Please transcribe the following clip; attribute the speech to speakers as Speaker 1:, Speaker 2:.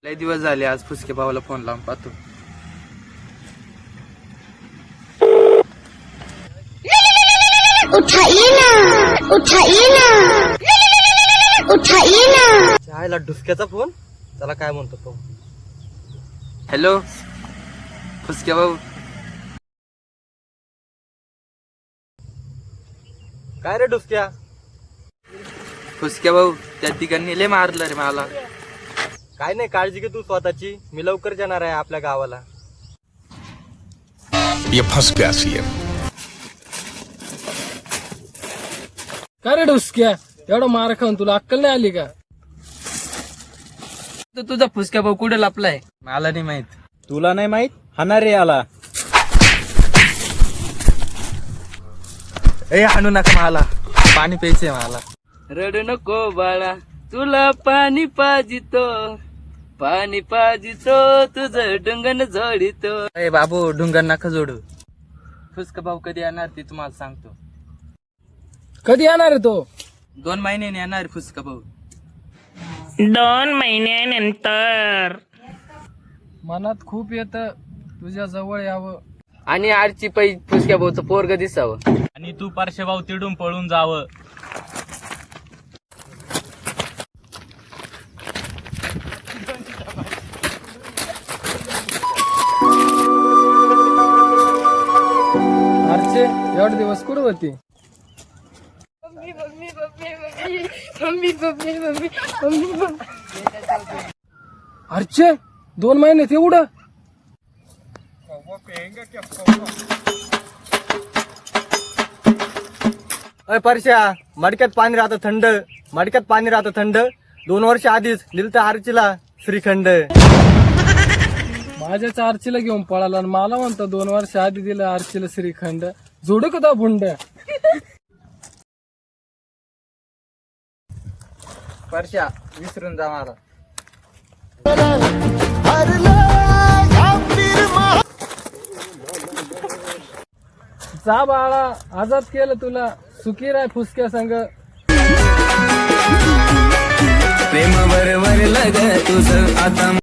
Speaker 1: लय दिवस झाले, आज फुसके भावाला फोन लावून पाहतो.
Speaker 2: उठाइए ना, उठाइए ना, उठाइए ना.
Speaker 3: चायला डुसक्याचा फोन. त्याला काय म्हणतो तो.
Speaker 1: हॅलो फुसके भाऊ.
Speaker 3: काय रे डुसक्या.
Speaker 1: फुसके भाऊ, त्या तिघांनी लय मारलं रे मला.
Speaker 3: काय नाही, काळजी घे तू स्वतःची. मी लवकर येणार आहे आपल्या गावाला.
Speaker 4: ये फंस गया सीएम.
Speaker 5: काय रे डुसक्या, एवढा मार खाऊन तुला अक्कल नाही आली का?
Speaker 1: तर तुझा फुसक्या भाऊ कुठे लपलाय मला नाही माहित.
Speaker 3: तुला नाही माहित, हाना रे आला.
Speaker 1: ए हाणू नका मला, पाणी प्यायचंय मला. रडू नको बाळा, तुला पाणी पाजितो, पाणी पाजितो, तुझं डुंगण जोडितो. ए बाबू, डुंगण नका जोडू. फुसका भाऊ कधी येणार ते तुम्हाला सांगतो.
Speaker 5: कधी येणार आहे तो?
Speaker 1: 2 महिन्याने येणार फुसका भाऊ.
Speaker 6: 2 महिन्यानंतर.
Speaker 5: मनात खूप येत तुझ्या जवळ यावं.
Speaker 1: आणि आरची पै फुसक्या भाऊचं पोरग दिसावं.
Speaker 3: आणि तू पारशे भाऊ तिडून पळून जावं.
Speaker 5: अर्चे, एवढे दिवस कुठं होती? अर्चे, 2 महिने एवढं?
Speaker 3: अय परश्या, मडक्यात पाणी राहतं थंड. मडक्यात पाणी राहतं थंड. 2 वर्ष आधीच दिलतं आरचीला श्रीखंड.
Speaker 5: माझ्याच आरचीला घेऊन पळाला आणि मला म्हणतो 2 वर्ष आधी दिलं आरचीला श्रीखंड. जोड का तो भुंड.
Speaker 1: परश्या, विसरून जा मला.
Speaker 5: जा बाळा, आजाद केलं तुला. सुखी राय फुसक्या संग.
Speaker 1: प्रेम बरोबर लग तुझं आता.